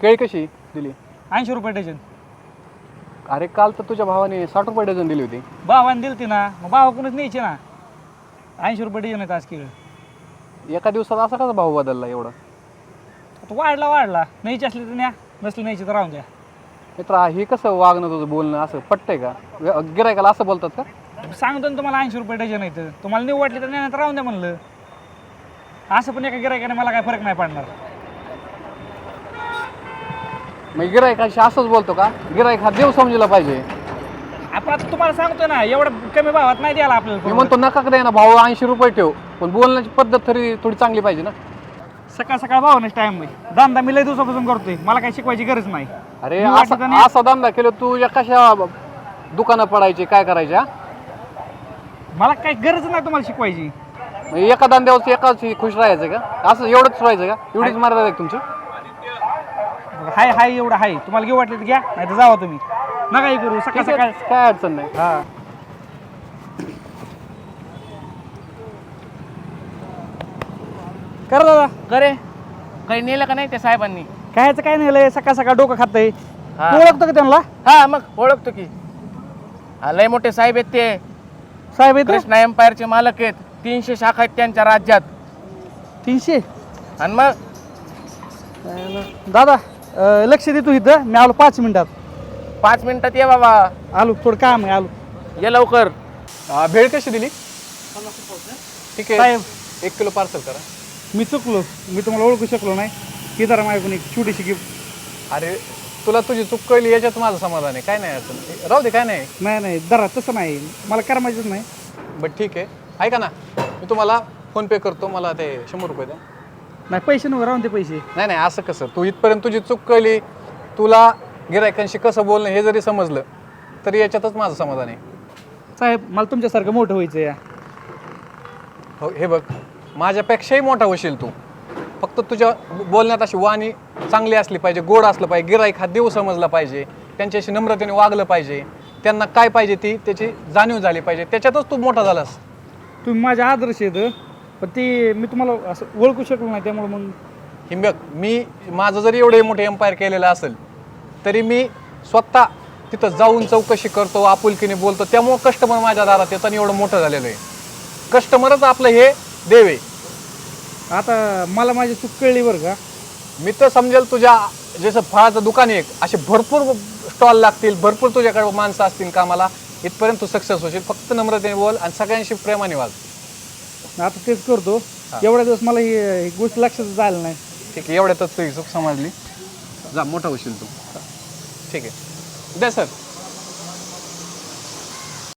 केळी कशी दिली? 80 रुपये डझन. अरे काल तर तुझ्या भावाने 60 रुपये डझन दिली होती. भावाने दिली ती ना, मग भावाकडूनच न्यायची ना. 80 रुपये डझन आहेत आज केळं. एका दिवसात असा कसा भाव बदलला एवढा? आता वाढला न्यायची असली तर न्या, नसली न्यायची तर राहून द्या. मित्र हे कसं वागणं तुझं बोलणं असं पटतंय का? गिरायकाला असं बोलतात का? सांगतो ना तुम्हाला 80 रुपये डझन आहेत, तुम्हाला नाही वाटली तर न्या, तर राहून द्या म्हणलं. असं पण एका गिरायकाने मला काय फरक नाही पडणार. मग गिरायकाशी असंच बोलतो का? गिरायक हा देव समजला पाहिजे. आपण आता तुम्हाला सांगतो ना, एवढं कमी भावात नाही द्यायला मी आपल्याला. म्हणतो नका द्या ना भाऊ, 80 रुपये ठेव, पण बोलण्याची पद्धत तरी थोडी चांगली पाहिजे ना. सकाळ सकाळ भावानेच टाइम नाही. धंदा मी लय दिवसापासून करतोय, मला काही शिकवायची गरज नाही. अरे मी वाटलं तर नाही. असा धंदा केलं तुझ्या कशा दुकानं पडायची काय करायच्या? मला काही गरज नाही तुम्हाला शिकवायची. एका धंद्यावर एकाच खुश राहायचं का? असं एवढंच राहायचं का? एवढीच मर्यादा आहे का तुमची? हाय एवढं हाय, तुम्हाला घेऊ वाटलं तर घ्या, नाही तर जावा तुम्ही. नका हे करू सकाळ ठीक आहे, सकाळ. काय अडचण नाही. हा करा दादा. करे काही नेलं का नाही त्या साहेबांनी? कायचं काय नाही लय सकाळ सकाळ डोकं खातंय. हा. तू ओळखतो का त्यांना? हा मग ओळखतो की. लय मोठे साहेब आहेत ते. साहेब आहेत कृष्णा एम्पायरचे मालक आहेत. 300 शाखा आहेत त्यांच्या राज्यात. 300. आणि मग दादा लक्ष दे तू इथं, मी आलो 5 मिनिटात. 5 मिनिटात ये बाबा. आलो, थोडं काम आहे, आलो. ये लवकर. भेळ कशी दिली? ठीक आहे, साहेब 1 किलो पार्सल करा. मी चुकलो, मी तुम्हाला ओळखू शकलो नाही. ही जरा माझ्याकडून एक छोटीशी गिफ्ट. अरे तुला तुझी चूक कळली याच्यात माझं समाधान आहे, काय नाही अडचण. राहू दे, काय नाही. नाही जरा तसं नाही, मला करमायचंच नाही. बट ठीक आहे, ऐका ना, मी तुम्हाला फोन पे करतो, मला ते 100 रुपये द्या. नाही पैसे नको, राहून ते पैसे. नाही असं कसं? तू इथपर्यंत तुझी चूक कळली, तुला गिरायकांशी कसं बोलणं हे जरी समजलं तरी याच्यातच माझं समाधान आहे. साहेब मला तुमच्यासारखं मोठं व्हायचं या. हो, हे बघ, माझ्यापेक्षाही मोठा होशील तू. फक्त तुझ्या बोलण्यात अशी वाणी चांगली असली पाहिजे, गोड असलं पाहिजे. गिराईक हा देव समजला पाहिजे, त्यांच्याशी नम्रतेने वागलं पाहिजे, त्यांना काय पाहिजे ती त्याची जाणीव झाली पाहिजे. त्याच्यातच तू मोठा झालास. तुम्ही माझे आदर्श आहेत, पण ते मी तुम्हाला असं ओळखू शकलो नाही, त्यामुळे मग. हे बघ, मी माझं जरी एवढे मोठे एम्पायर केलेलं असेल तरी मी स्वतः तिथं जाऊन चौकशी करतो, आपुलकीने बोलतो. त्यामुळं कस्टमर माझ्या दारात येतं आणि एवढं मोठं झालेलं आहे. कस्टमरच आपलं हे देव आहे. आता मला माझी चूक कळली बरं का. मी तर समजेल तुझ्या जसं फळाचं दुकान आहे असे भरपूर स्टॉल लागतील, भरपूर तुझ्याकडे माणसं असतील कामाला, इथपर्यंत तू सक्सेस होशील. फक्त नम्रतेने बोल आणि सगळ्यांशी प्रेमाने वाग. आता तेच करतो. एवढ्या दिवस मला ही गोष्ट लक्षात झालं नाही. ठीक आहे, एवढ्यातच तुझी चूक समजली. जा, मोठा होशील तू. ठीक आहे, द्या सर.